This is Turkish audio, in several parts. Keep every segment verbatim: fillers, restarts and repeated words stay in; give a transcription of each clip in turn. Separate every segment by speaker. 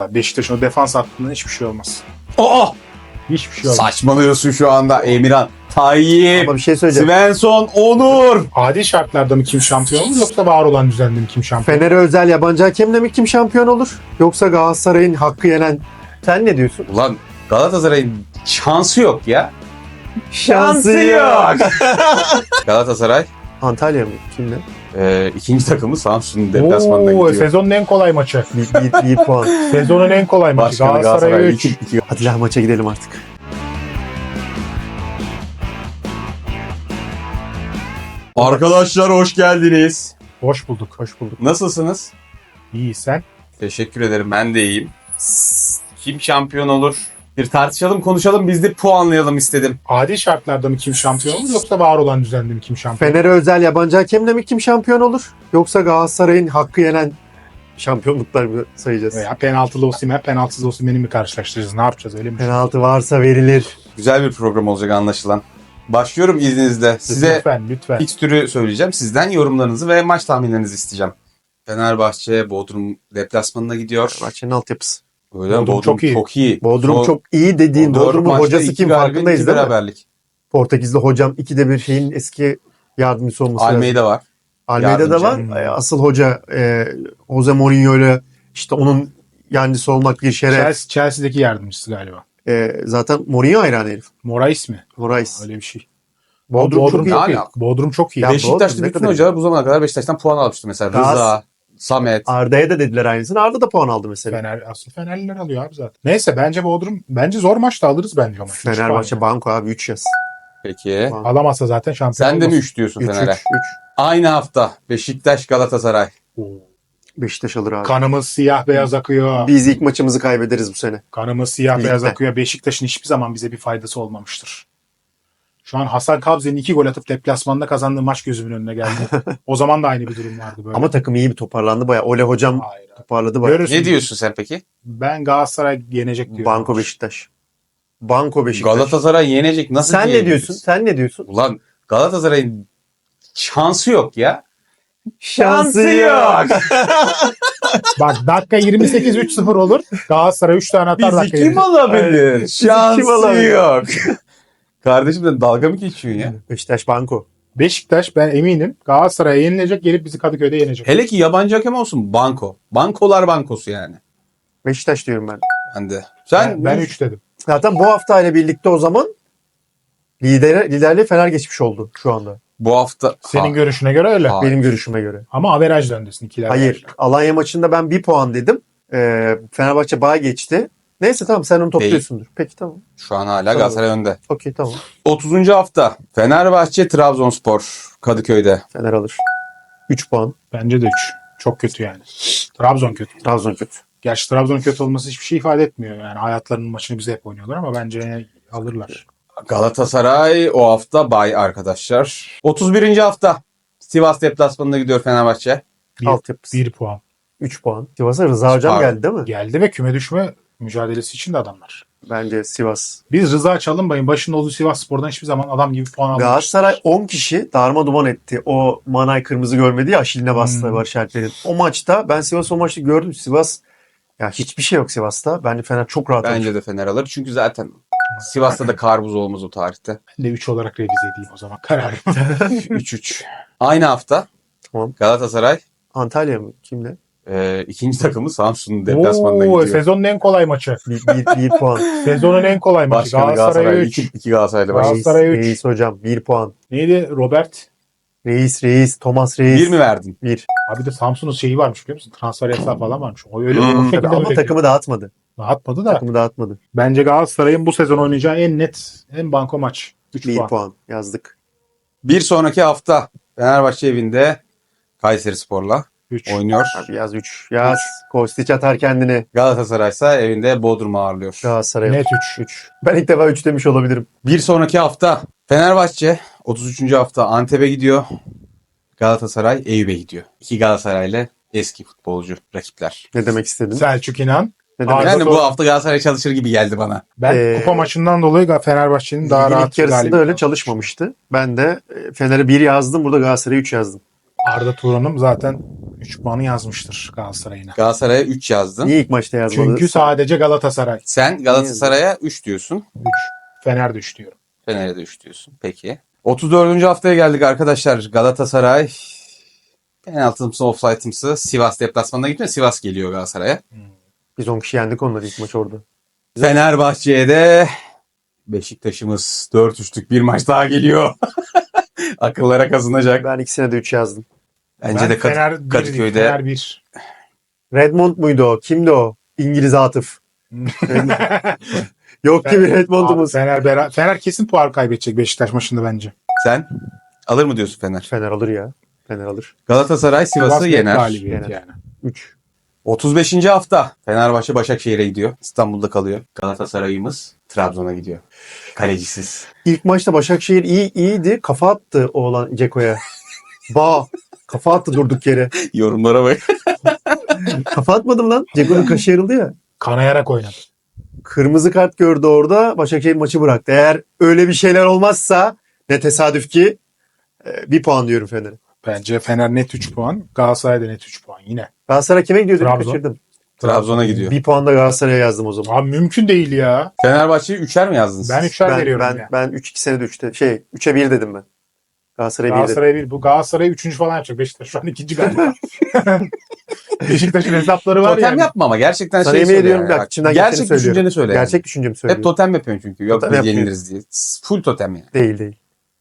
Speaker 1: Beşiktaş'ın o defans hattından hiçbir şey olmaz.
Speaker 2: Aa!
Speaker 1: Hiçbir şey olmaz.
Speaker 2: Saçmalıyorsun şu anda Emirhan. Tayyip,
Speaker 3: Ama bir şey söyleyeceğim.
Speaker 2: Svensson, Onur.
Speaker 1: Adil şartlarda mı kim şampiyon olur yoksa var olan düzende mi kim şampiyon?
Speaker 3: Fener'e özel yabancı hakemle mi kim şampiyon olur? Yoksa Galatasaray'ın hakkı yenen... Sen ne diyorsun?
Speaker 2: Ulan Galatasaray'ın şansı yok ya.
Speaker 3: Şansı yok.
Speaker 2: Galatasaray
Speaker 3: Antalya mı? Kimle?
Speaker 2: e, ikinci takımı Samsun'un deplasmanına
Speaker 1: Oo,
Speaker 2: gidiyor.
Speaker 1: sezonun en kolay maçı.
Speaker 3: Bir, bir, bir puan.
Speaker 1: Sezonun en kolay maçı.
Speaker 2: Başkanı
Speaker 1: Galatasaray
Speaker 2: Galatasaray
Speaker 1: üç.
Speaker 2: iki, iki.
Speaker 3: Hadi lan maça gidelim artık.
Speaker 2: Arkadaşlar hoş geldiniz.
Speaker 1: Hoş bulduk.
Speaker 3: Hoş bulduk.
Speaker 2: Nasılsınız?
Speaker 1: İyi sen.
Speaker 2: Teşekkür ederim, ben de iyiyim. Kim şampiyon olur? Bir tartışalım, konuşalım, biz de puanlayalım istedim.
Speaker 1: Adil şartlarda mı kim şampiyon olur yoksa var olan düzende mi kim şampiyon?
Speaker 3: Fener'e özel yabancı hakemle mi kim şampiyon olur? Yoksa Galatasaray'ın hakkı yenen şampiyonluklar mı sayacağız?
Speaker 1: Veya penaltılı Osimhen, penaltısız Osimhen'i mi karşılaştıracağız? Ne yapacağız öyle mi?
Speaker 3: Penaltı varsa verilir.
Speaker 2: Güzel bir program olacak anlaşılan. Başlıyorum izninizle. Size
Speaker 1: Lütfen lütfen.
Speaker 2: fikstürü söyleyeceğim. Sizden yorumlarınızı ve maç tahminlerinizi isteyeceğim. Fenerbahçe Bodrum deplasmanına gidiyor.
Speaker 3: Bahçenin altyapısı.
Speaker 2: Öyle mi?
Speaker 1: Bodrum
Speaker 2: Bodrum
Speaker 1: çok iyi.
Speaker 2: Çok iyi.
Speaker 3: Bodrum
Speaker 2: Son-
Speaker 3: çok iyi dediğin
Speaker 2: Dört
Speaker 3: Bodrum'un
Speaker 2: maçta
Speaker 3: hocası
Speaker 2: iki
Speaker 3: kim
Speaker 2: galibiyet,
Speaker 3: farkındayız
Speaker 2: iki
Speaker 3: değil mi?
Speaker 2: beraberlik.
Speaker 3: Portekizli hocam ikide bir şeyin eski yardımcısı olması lazım.
Speaker 2: Almeida var.
Speaker 3: Almeida'da var.
Speaker 1: yardımcı.
Speaker 3: E, Asıl hoca e, Jose Mourinho'yla işte onun yancısı olmak bir şeref.
Speaker 1: Chelsea, Chelsea'deki yardımcısı galiba.
Speaker 3: E, zaten Mourinho hayranı herif.
Speaker 1: Morais mi?
Speaker 3: Morais.
Speaker 1: Öyle bir şey.
Speaker 3: Bodrum,
Speaker 1: Bodrum
Speaker 3: çok iyi.
Speaker 1: çok iyi.
Speaker 2: Hala.
Speaker 1: Bodrum çok iyi.
Speaker 3: Ya
Speaker 2: Beşiktaş'ta
Speaker 3: Bodrum ne
Speaker 2: bütün
Speaker 3: kadar
Speaker 2: hocalar bu zamana kadar Beşiktaş'tan puan almıştı mesela.
Speaker 3: Gaz-
Speaker 2: Rıza, Samet.
Speaker 3: Arda'ya da dediler aynısını. Arda da puan aldı mesela.
Speaker 1: Fener, asıl Fenerliler alıyor abi zaten. Neyse bence Bodrum, bence zor maçta alırız bence o maçı. Üç
Speaker 3: Fenerbahçe
Speaker 1: puan
Speaker 3: banko abi üç yaz.
Speaker 2: Peki.
Speaker 3: Puan.
Speaker 1: alamazsa zaten şampiyon
Speaker 2: Sen de mi
Speaker 1: olmaz.
Speaker 2: üç diyorsun
Speaker 3: üç
Speaker 2: Fener'e?
Speaker 3: üç üç.
Speaker 2: Aynı hafta Beşiktaş Galatasaray.
Speaker 1: Oo.
Speaker 3: Beşiktaş alır abi.
Speaker 1: Kanımız siyah beyaz akıyor.
Speaker 3: Biz ilk maçımızı kaybederiz bu sene.
Speaker 1: Kanımız siyah
Speaker 3: Ligde.
Speaker 1: beyaz akıyor. Beşiktaş'ın hiçbir zaman bize bir faydası olmamıştır. Şu an Hasan Kabze'nin iki gol atıp deplasmanda kazandığı maç gözümün önüne geldi. O zaman da aynı bir durum vardı böyle.
Speaker 3: Ama takım iyi bir toparlandı bayağı. Ole hocam
Speaker 1: Hayır. abi.
Speaker 3: toparladı bayağı.
Speaker 1: Görürsün.
Speaker 2: Ne diyorsun sen peki?
Speaker 1: Ben Galatasaray yenecek diyorum.
Speaker 3: Banko Beşiktaş. Banko Beşiktaş.
Speaker 2: Galatasaray yenecek. Nasıl
Speaker 3: Sen ne
Speaker 2: diyebiliriz?
Speaker 3: diyorsun? Sen ne diyorsun?
Speaker 2: Ulan Galatasaray'ın şansı yok ya.
Speaker 3: Şansı yok.
Speaker 1: Bak dakika yirmi sekiz üç sıfır olur. Galatasaray üç tane atar dakika
Speaker 2: Bizi kim
Speaker 1: yirmi.
Speaker 2: alabilir?
Speaker 3: kim
Speaker 2: Şansı
Speaker 3: alabilir?
Speaker 2: yok. Kardeşim sen dalga mı geçiyorsun ya?
Speaker 3: Beşiktaş banko.
Speaker 1: Beşiktaş ben eminim Galatasaray'a yenilecek, gelip bizi Kadıköy'de yenecek.
Speaker 2: Hele ki yabancı hakem olsun banko. Bankolar bankosu yani.
Speaker 3: Beşiktaş diyorum ben.
Speaker 2: Ben de. Sen
Speaker 1: ben üç dedim.
Speaker 3: Zaten bu hafta ile birlikte o zaman lider, liderliği Fener geçmiş oldu şu anda.
Speaker 2: bu hafta...
Speaker 1: Senin
Speaker 2: Ha,
Speaker 1: görüşüne göre öyle.
Speaker 2: Ha.
Speaker 3: Benim görüşüme göre.
Speaker 1: Ama averaj öndesin ikiler.
Speaker 3: Hayır. Alanya maçında ben bir puan dedim. Ee, Fenerbahçe bağ geçti. Neyse tamam sen onu topluyorsundur. Peki tamam.
Speaker 2: Şu an hala
Speaker 3: Tamam.
Speaker 2: Galatasaray önde.
Speaker 3: Okey tamam.
Speaker 2: otuzuncu hafta Fenerbahçe Trabzonspor Kadıköy'de.
Speaker 3: Fener alır. üç puan.
Speaker 1: Bence de üç. Çok kötü yani. Trabzon kötü.
Speaker 3: Trabzon kötü.
Speaker 1: Gerçi Trabzon'un kötü olması hiçbir şey ifade etmiyor. Yani hayatlarının maçını bize hep oynuyorlar ama bence alırlar.
Speaker 2: Galatasaray o hafta bay arkadaşlar. otuz birinci hafta Sivas deplasmanına gidiyor Fenerbahçe.
Speaker 1: Bir,
Speaker 3: Altyapısı.
Speaker 1: bir puan.
Speaker 3: üç puan. Sivas'a Rıza Hocam
Speaker 2: Pardon.
Speaker 3: geldi değil mi?
Speaker 1: Geldi ve küme düşme mücadelesi için de adamlar.
Speaker 3: Bence Sivas.
Speaker 1: Biz Rıza Çalınbay'ın başında olduğu Sivasspor'dan hiçbir zaman adam gibi puan almamışız.
Speaker 3: Galatasaray on kişi darma duman etti. O Manay kırmızı görmedi ya Aşil'ine bastı
Speaker 1: Hmm.
Speaker 3: Barış Alper'in. O maçta ben Sivas o maçta gördüm. Sivas ya hiçbir şey yok Sivas'ta. Bence Fener çok rahat alır.
Speaker 2: Bence de Fener alır. Çünkü zaten Sivas'ta da karbuz olmaz o tarihte.
Speaker 1: Ben de üç olarak revize edeyim o zaman kararım.
Speaker 2: üç üç. Aynı hafta
Speaker 3: Tamam.
Speaker 2: Galatasaray
Speaker 3: Antalya mı? Kimle?
Speaker 2: e, ikinci takımı Samsun'un deplasmanına
Speaker 1: Oo,
Speaker 2: gidiyor.
Speaker 1: sezonun en kolay maçı.
Speaker 3: Bir, bir, bir puan.
Speaker 1: Sezonun en kolay maçı.
Speaker 2: Başkanı
Speaker 1: Galatasaray
Speaker 2: Galatasaray.
Speaker 1: üç.
Speaker 2: iki, iki Galatasaraylı var.
Speaker 1: Galatasaray-
Speaker 3: Reis,
Speaker 1: Galatasaray üç.
Speaker 3: Reis hocam bir puan.
Speaker 1: Neydi Robert?
Speaker 3: Reis reis Thomas Reis.
Speaker 2: Bir mi verdin?
Speaker 3: Bir.
Speaker 1: Abi de Samsun'un şeyi varmış biliyor musun? Transfer yasağı falan varmış. O öyle
Speaker 2: Hmm.
Speaker 1: o şekilde
Speaker 3: Tabii ama
Speaker 1: öyle
Speaker 3: takımı dağıtmadı.
Speaker 1: dağıtmadı da.
Speaker 3: Takımı dağıtmadı.
Speaker 1: Bence Galatasaray'ın bu sezon oynayacağı en net, en banko maç. üç
Speaker 3: Bir
Speaker 1: puan.
Speaker 3: puan. yazdık.
Speaker 2: Bir sonraki hafta Fenerbahçe evinde Kayserispor'la
Speaker 1: üç.
Speaker 2: oynuyor.
Speaker 3: Abi yaz üç. Yaz. Kostić atar kendini.
Speaker 2: Galatasaray ise evinde Bodrum'u ağırlıyor.
Speaker 3: Galatasaray.
Speaker 1: Net üç.
Speaker 3: üç. Ben ilk defa üç demiş olabilirim.
Speaker 2: Bir sonraki hafta Fenerbahçe otuz üçüncü hafta Antep'e gidiyor. Galatasaray Eyüp'e gidiyor. İki Galatasaraylı eski futbolcu rakipler.
Speaker 3: Ne demek istedin?
Speaker 1: Selçuk İnan.
Speaker 3: Ne demek?
Speaker 1: Arda
Speaker 2: Yani
Speaker 1: Turan.
Speaker 2: bu hafta Galatasaray çalışır gibi geldi bana.
Speaker 1: Ben
Speaker 3: Ee,
Speaker 1: kupa maçından dolayı Fenerbahçe'nin daha
Speaker 3: Ligin
Speaker 1: rahat
Speaker 3: ilk yarısında
Speaker 1: galibiyet
Speaker 3: öyle
Speaker 1: aldı.
Speaker 3: çalışmamıştı. Ben de e, Fener'e bir yazdım. Burada Galatasaray'a üç yazdım.
Speaker 1: Arda Turan'ım zaten üç puanı yazmıştır Galatasaray'ına.
Speaker 2: Galatasaray'a üç yazdın.
Speaker 3: Niye ilk maçta yazmadı?
Speaker 1: Çünkü sadece Galatasaray.
Speaker 2: Sen Galatasaray'a üç diyorsun.
Speaker 1: üç. Fener de üç diyorum.
Speaker 2: Fener'e de üç diyorsun. Peki. otuz dördüncü haftaya geldik arkadaşlar. Galatasaray penaltımsı, offside'ımsı Sivas deplasmanına gitmiyor. Sivas geliyor Galatasaray'a.
Speaker 3: Biz on kişi yendik onları ilk maç orada.
Speaker 2: Fenerbahçe'ye de Beşiktaş'ımız dört üçlük bir maç daha geliyor. Akıllara kazınacak.
Speaker 3: Ben ikisine de üç yazdım.
Speaker 2: Bence
Speaker 1: Ben
Speaker 2: de Kat-
Speaker 1: Fener bir,
Speaker 2: Kadıköy'de
Speaker 1: Fener bir.
Speaker 3: Redmond muydu o? Kimdi o? İngiliz Atıf. Yok ki bir
Speaker 1: Abi
Speaker 3: Redmond'umuz.
Speaker 1: Fener, bera- Fener kesin puan kaybedecek Beşiktaş maçında bence.
Speaker 2: sen alır mı diyorsun Fener?
Speaker 3: Fener alır ya. Fener alır.
Speaker 2: Galatasaray Sivas'ı
Speaker 1: Sivas net
Speaker 2: yener.
Speaker 1: galibiyet
Speaker 3: Yener.
Speaker 1: yani.
Speaker 3: üç.
Speaker 2: otuz beşinci hafta Fenerbahçe Başakşehir'e gidiyor. İstanbul'da kalıyor. Galatasaray'ımız Trabzon'a gidiyor. Kalecisiz.
Speaker 3: İlk maçta Başakşehir iyi iyiydi. Kafa attı oğlan Ceko'ya. Ba. Kafa attı durduk yere.
Speaker 2: Yorumlara bak.
Speaker 3: Kafa atmadım lan. Ceko'nun kaşı yarıldı ya.
Speaker 1: Kanayarak oynadı.
Speaker 3: Kırmızı kart gördü orada. Başakşehir maçı bıraktı. Eğer öyle bir şeyler olmazsa ne tesadüf ki e, bir puan diyorum Fener'e.
Speaker 1: Bence Fener net üç puan. Galatasaray da net üç puan yine.
Speaker 3: Galatasaray kime gidiyor dedim
Speaker 1: Trabzon.
Speaker 3: kaçırdım.
Speaker 2: Trabzon'a gidiyor.
Speaker 3: Bir puan da Galatasaray'a yazdım o zaman.
Speaker 1: Abi mümkün değil ya.
Speaker 2: Fenerbahçe'yi üçer mi yazdınız?
Speaker 1: Ben üçer
Speaker 3: Ben
Speaker 1: veriyorum
Speaker 3: ben
Speaker 1: ya.
Speaker 3: ben üç iki sene de üçte şey üçe bir dedim ben. Galatasaray'a bir dedim.
Speaker 1: Galatasaray bir. Bu Galatasaray üçüncü falan yapacak. Beşiktaş şu an ikinci galiba. Beşiktaş'ın hesapları var
Speaker 2: Totem
Speaker 1: yani.
Speaker 2: yapma ama gerçekten
Speaker 3: Sana
Speaker 2: şey
Speaker 3: yemin
Speaker 2: söyle.
Speaker 3: ediyorum
Speaker 2: yani.
Speaker 3: bak içimden
Speaker 2: Gerçek
Speaker 3: geçeni söylüyorum.
Speaker 2: düşünceni söyle. yani.
Speaker 3: Gerçek düşüncemi
Speaker 2: Hep
Speaker 3: söylüyorum.
Speaker 2: totem yapıyorsun çünkü. Yok
Speaker 3: Totem
Speaker 2: biz
Speaker 3: yapmıyorum.
Speaker 2: yeniliriz diye. Full totem yani.
Speaker 3: Değil değil.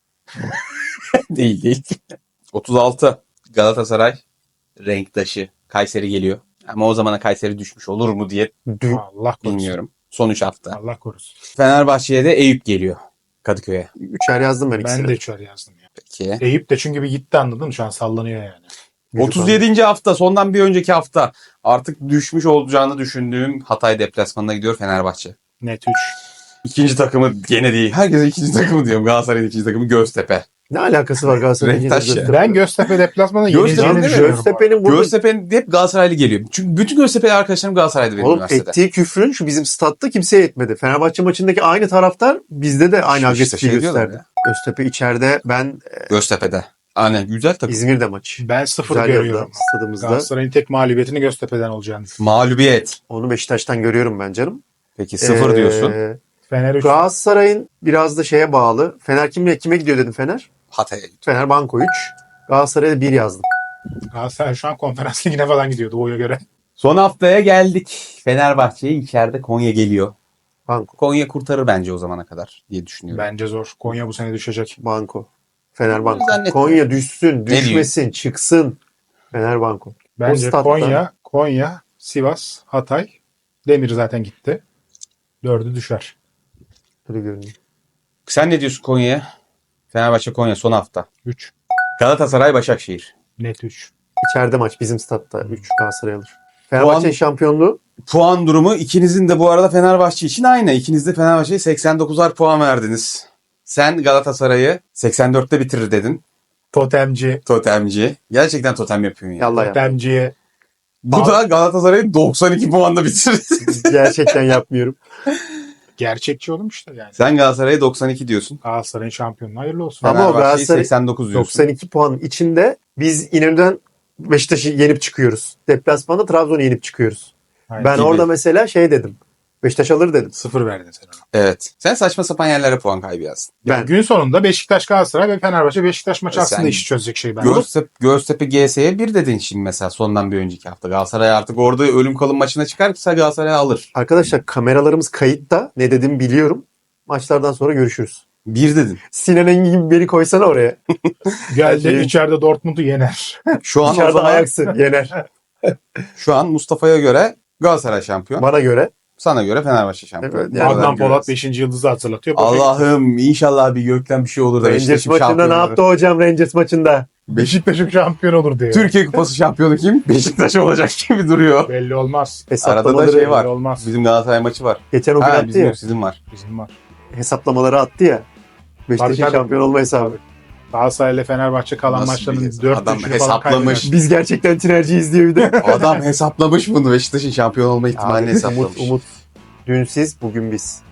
Speaker 2: değil değil. otuz altı Galatasaray renktaşı. Kayseri geliyor. Ama o zamana Kayseri düşmüş olur mu diye
Speaker 3: Dün,
Speaker 1: Allah korusun.
Speaker 2: bilmiyorum. Son üç hafta.
Speaker 1: Allah korusun.
Speaker 2: Fenerbahçe'ye de Eyüp geliyor. Kadıköy'e.
Speaker 3: üçer yazdım ben ikisine.
Speaker 1: Ben de üçer yazdım ya.
Speaker 2: Peki.
Speaker 1: Eyüp de çünkü bir gitti anladın mı? Şu an sallanıyor yani.
Speaker 3: Gücü
Speaker 2: otuz yedinci hafta sondan bir önceki hafta artık düşmüş olacağını düşündüğüm Hatay deplasmanına gidiyor Fenerbahçe.
Speaker 1: Net üç.
Speaker 2: İkinci takımı gene değil. Herkese ikinci takımı diyorum. Galatasaray'ın ikinci takımı Göztepe.
Speaker 3: Ne alakası var Galatasaray'ın?
Speaker 2: Renktaş ya.
Speaker 3: Göztepe?
Speaker 1: Ben Göztepe deplasmanı
Speaker 2: Göztepe
Speaker 1: yenileceğini
Speaker 2: değil mi?
Speaker 1: düşünüyorum. bu arada.
Speaker 3: Göztepe'nin burada
Speaker 2: Göztepe'nin hep Galatasaraylı geliyor. Çünkü bütün Göztepe'li arkadaşlarım Galatasaray'da benim
Speaker 3: oğlum
Speaker 2: üniversitede.
Speaker 3: ettiği küfrün şu bizim statta kimseye etmedi. Fenerbahçe maçındaki aynı taraftar bizde de aynı
Speaker 2: İşte
Speaker 3: agresifliği
Speaker 2: şey diyorlar
Speaker 3: gösterdi. Göztepe içeride ben
Speaker 2: Göztepe'de. Aynen güzel takım.
Speaker 3: İzmir'de maç.
Speaker 1: Ben sıfır
Speaker 3: Güzel
Speaker 1: görüyorum.
Speaker 3: yolda stadımızda.
Speaker 1: Galatasaray'ın tek mağlubiyetini Göztepe'den olacağını.
Speaker 2: Mağlubiyet.
Speaker 3: Onu Beşiktaş'tan görüyorum ben canım.
Speaker 2: Peki sıfır
Speaker 3: Ee,
Speaker 2: diyorsun.
Speaker 1: Fener üç.
Speaker 3: Galatasaray'ın biraz da şeye bağlı. Fener kimle kime gidiyor dedim Fener?
Speaker 2: Hatay'a gidiyor.
Speaker 3: Fener Banko üç. Galatasaray'a bir yazdım.
Speaker 1: Galatasaray şu an konferans ligine falan gidiyor Doğu'ya göre.
Speaker 2: Son haftaya geldik. Fenerbahçe'ye içeride Konya geliyor.
Speaker 3: Banko.
Speaker 2: Konya kurtarır bence o zamana kadar diye düşünüyorum.
Speaker 1: Bence zor. Konya bu sene düşecek.
Speaker 3: Banko. Fener Banko.
Speaker 2: Zannetmiyorum.
Speaker 3: Konya düşsün,
Speaker 2: diyor?
Speaker 3: düşmesin, çıksın. Fener Banko.
Speaker 1: Bence
Speaker 3: statta-
Speaker 1: Konya, Konya, Sivas, Hatay. Demir zaten gitti. Dördü düşer.
Speaker 3: Öyle görünüyor.
Speaker 2: Sen ne diyorsun Konya'ya? Fenerbahçe Konya son hafta.
Speaker 1: üç.
Speaker 2: Galatasaray Başakşehir.
Speaker 1: Net üç.
Speaker 3: İçeride maç bizim statta. üç Galatasaray alır. Fenerbahçe'nin
Speaker 2: Puan-
Speaker 3: şampiyonluğu
Speaker 2: Puan durumu ikinizin de bu arada Fenerbahçe için aynı. İkiniz de Fenerbahçe'ye seksen dokuzar puan verdiniz. Sen Galatasaray'ı seksen dörtte bitirir dedin.
Speaker 1: Totemci.
Speaker 2: Totemci. Gerçekten totem yapıyorsun ya.
Speaker 3: yallah ya.
Speaker 1: Totemciye.
Speaker 2: Bu da Galatasaray'ı doksan iki puanda bitirir.
Speaker 3: Gerçekten yapmıyorum.
Speaker 1: Gerçekçi oğlum işte yani.
Speaker 2: Sen Galatasaray'a doksan iki diyorsun.
Speaker 1: Galatasaray'ın şampiyonluğu hayırlı olsun.
Speaker 3: Ama o
Speaker 2: Fenerbahçe'yi
Speaker 3: Galatasaray-
Speaker 2: seksen dokuz diyorsun.
Speaker 3: doksan iki puanın içinde biz İnönü'den Beşiktaş'ı yenip çıkıyoruz. Deplasmanda Trabzon'u yenip çıkıyoruz.
Speaker 1: Aynen.
Speaker 3: Ben
Speaker 2: gibi.
Speaker 3: orada mesela şey dedim. Beşiktaş alır dedim.
Speaker 1: Sıfır verdin sen ona.
Speaker 2: Evet. Sen saçma sapan yerlere puan kaybı yazdın.
Speaker 1: Yani
Speaker 3: Ben-
Speaker 1: gün sonunda Beşiktaş Galatasaray ve Fenerbahçe Beşiktaş maçı
Speaker 2: Sen-
Speaker 1: aslında işi çözecek şey ben.
Speaker 2: Göztepe, Göztepe G S'ye bir dedin şimdi mesela sondan bir önceki hafta. Galatasaray artık orada ölüm kalım maçına çıkarsa Galatasaray alır.
Speaker 3: Arkadaşlar kameralarımız kayıtta. Ne dediğimi biliyorum. Maçlardan sonra görüşürüz.
Speaker 2: Bir dedin.
Speaker 3: Sinan Engin gibi beni koysana oraya.
Speaker 1: Geldi
Speaker 3: Şey-
Speaker 1: içeride Dortmund'u yener.
Speaker 2: Şu an o
Speaker 3: Dışarıda
Speaker 2: zaman,
Speaker 3: ayaksın yener.
Speaker 2: şu an Mustafa'ya göre Galatasaray şampiyon.
Speaker 3: Bana göre.
Speaker 2: Sana göre Fenerbahçe şampiyon.
Speaker 3: Evet, yani
Speaker 2: Oradan
Speaker 1: Adnan Polat
Speaker 2: görüyoruz.
Speaker 1: beşinci yıldızı hatırlatıyor.
Speaker 2: Allah'ım inşallah bir gökten bir şey olur da
Speaker 3: Rangers
Speaker 2: Beşiktaş'ın
Speaker 3: maçında ne
Speaker 2: şampiyonu
Speaker 3: yaptı
Speaker 2: olur.
Speaker 3: hocam Rangers maçında?
Speaker 1: Beşiktaş'ın şampiyon olur diye.
Speaker 2: Türkiye Kupası şampiyonu kim? Beşiktaş olacak gibi duruyor.
Speaker 1: Belli olmaz.
Speaker 2: Arada da
Speaker 3: Hesaplamaları
Speaker 2: şey var.
Speaker 1: Belli olmaz.
Speaker 2: Bizim Galatasaray maçı var.
Speaker 3: geçen o gün
Speaker 2: Ha,
Speaker 3: attı
Speaker 2: bizim
Speaker 3: ya.
Speaker 2: yok, sizin var.
Speaker 1: Bizim var.
Speaker 3: Hesaplamaları attı ya. Beşiktaş'ın
Speaker 1: Tabii, tabii.
Speaker 3: şampiyon olma hesabı.
Speaker 1: Galatasaray ile Fenerbahçe kalan
Speaker 2: Nasıl
Speaker 1: maçlarının
Speaker 2: bir-
Speaker 1: dört
Speaker 2: adam
Speaker 1: üçünü falan
Speaker 2: hesaplamış.
Speaker 1: kaybeder.
Speaker 3: Biz gerçekten tinerciyiz diye bir de.
Speaker 2: Adam hesaplamış bunu. Beşiktaş'ın şampiyon olma ihtimalini
Speaker 3: Abi,
Speaker 2: hesaplamış.
Speaker 3: Umut, Umut. Dün siz, bugün biz.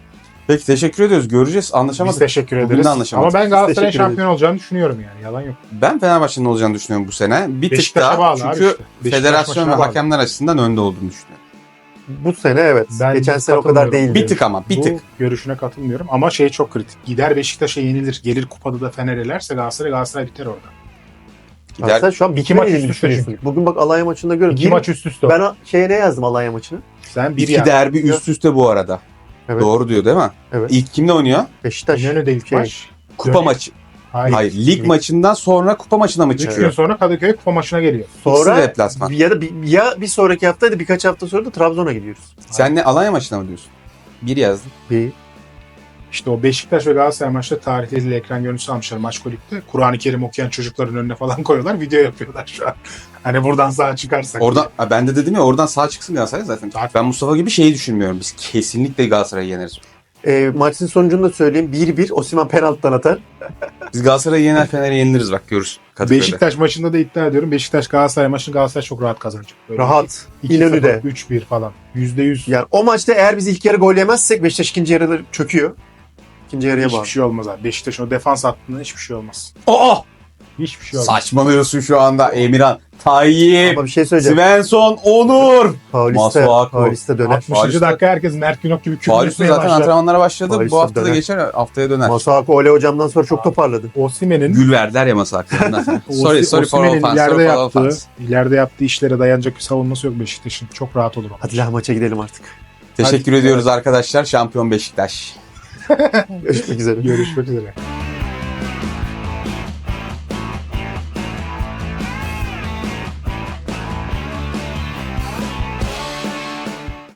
Speaker 2: Peki teşekkür ediyoruz. Göreceğiz.
Speaker 1: Biz
Speaker 2: Anlaşamadık.
Speaker 1: teşekkür
Speaker 2: Bugün
Speaker 1: ederiz.
Speaker 2: de anlaşamadık.
Speaker 1: Ama ben Galatasaray'ın
Speaker 3: Teşekkür ederiz.
Speaker 1: şampiyon olacağını düşünüyorum yani. Yalan yok.
Speaker 2: Ben Fenerbahçe'nin olacağını düşünüyorum bu sene. Bir tık
Speaker 1: Beşiktaş'a
Speaker 2: daha
Speaker 1: bağlı abi
Speaker 2: çünkü
Speaker 1: işte. Beşiktaş
Speaker 2: federasyon ve
Speaker 1: maçına bağlı.
Speaker 2: hakemler açısından önde olduğunu düşünüyorum.
Speaker 3: Bu sene evet.
Speaker 1: Ben
Speaker 3: Geçen sene o kadar
Speaker 1: katılmıyorum.
Speaker 3: değildi.
Speaker 2: Bir tık ama bir
Speaker 1: Bu
Speaker 2: tık.
Speaker 1: görüşüne katılmıyorum ama şey çok kritik. Gider Beşiktaş'a yenilir. Gelir kupada da Fener elerse Galatasaray Galatasaray biter orada.
Speaker 2: Gider.
Speaker 3: Galatasaray şu an
Speaker 1: İki
Speaker 3: iki
Speaker 1: maç
Speaker 3: maç
Speaker 1: üst üste
Speaker 3: düşünüyorsun. Bugün bak Alanya maçında görüyorum.
Speaker 1: İki
Speaker 3: Bir-
Speaker 1: maç üst üste.
Speaker 3: Ben o- şeye ne yazdım Alanya maçını?
Speaker 1: Sen bir
Speaker 2: İki
Speaker 1: yer.
Speaker 2: derbi üst üste bu arada.
Speaker 3: Evet.
Speaker 2: Doğru diyor değil mi?
Speaker 3: Evet.
Speaker 2: İlk kimle oynuyor?
Speaker 3: Beşiktaş.
Speaker 1: İnönü'de ilk
Speaker 3: Şey,
Speaker 1: maç.
Speaker 2: Kupa
Speaker 1: Dönüyor.
Speaker 2: maçı.
Speaker 1: Hayır.
Speaker 2: Hayır. Lig
Speaker 3: Lig.
Speaker 2: maçından sonra kupa maçına mı
Speaker 1: Üç
Speaker 2: çıkıyor?
Speaker 1: gün sonra Kadıköy kupa maçına geliyor.
Speaker 2: Sonra
Speaker 3: Sonra
Speaker 2: deplasman.
Speaker 3: ya da bir, ya bir sonraki hafta ya da birkaç hafta sonra da Trabzon'a gidiyoruz.
Speaker 2: Sen ne Alanya maçına mı diyorsun? Bir yazdın.
Speaker 3: Bir.
Speaker 1: İşte o Beşiktaş ve Galatasaray maçta tarihte izle ekran görüntüsü almışlar maç kulüpte. Kur'an-ı Kerim okuyan çocukların önüne falan koyuyorlar. Video yapıyorlar şu an. Hani buradan sağ çıkarsak.
Speaker 2: Oradan, ha, ben de dedim ya oradan sağ çıksın Galatasaray zaten.
Speaker 1: Zaten.
Speaker 2: Ben Mustafa gibi şeyi düşünmüyorum. Biz kesinlikle Galatasaray'ı yeneriz.
Speaker 3: E, maçın sonucunu da söyleyeyim. bir bir Osimhen penaltıdan atar.
Speaker 2: Biz Galatasaray'ı yener Fener'i yeniliriz bak görürsün. Kadıköy'de.
Speaker 1: Beşiktaş maçında da iddia ediyorum. Beşiktaş Galatasaray maçını Galatasaray çok rahat kazanacak. Böyle
Speaker 3: Rahat.
Speaker 1: iki
Speaker 3: İnönü'de.
Speaker 1: sıfır, üç bir falan. yüzde yüz.
Speaker 3: Yani o maçta eğer biz ilk yarı gol yemezsek Beşiktaş ikinci yarıda çöküyor. İkinci yarıya
Speaker 1: Hiçbir
Speaker 3: bağlı.
Speaker 1: şey olmaz abi. Beşiktaş'ın o defans hattında hiçbir şey olmaz.
Speaker 2: Aa!
Speaker 1: Hiçbir şey olmaz.
Speaker 2: Saçmalıyorsun şu anda Emirhan. Tayyip.
Speaker 3: Ama bir şey söyleyeceğim.
Speaker 2: Svensson. Onur.
Speaker 3: Paulista,
Speaker 2: Masuaku.
Speaker 3: Paulista döner.
Speaker 1: altmışıncı
Speaker 2: Paris'te-
Speaker 1: dakika herkes Mert Günok gibi küfür
Speaker 2: Paris'te
Speaker 1: etmeye
Speaker 2: zaten
Speaker 1: başlar.
Speaker 2: antrenmanlara başladı.
Speaker 3: Paris'te
Speaker 2: Bu hafta da
Speaker 3: döner.
Speaker 2: geçer, haftaya döner.
Speaker 3: Masuaku Ole hocamdan sonra çok toparladı.
Speaker 1: Osimhen'in
Speaker 2: Gül verdiler ya masa hakkında. sorry, sorry for
Speaker 1: Osimhen'in
Speaker 2: offense.
Speaker 1: ileride
Speaker 2: Sorry for
Speaker 1: yaptığı,
Speaker 2: offense.
Speaker 1: ileride yaptığı işlere dayanacak bir savunması yok Beşiktaş'ın. Çok rahat olur o.
Speaker 3: Hadi la maça gidelim artık.
Speaker 2: Teşekkür
Speaker 1: Hadi.
Speaker 2: ediyoruz arkadaşlar. Şampiyon Beşiktaş.
Speaker 3: Görüşmek üzere.
Speaker 1: Görüşmek üzere.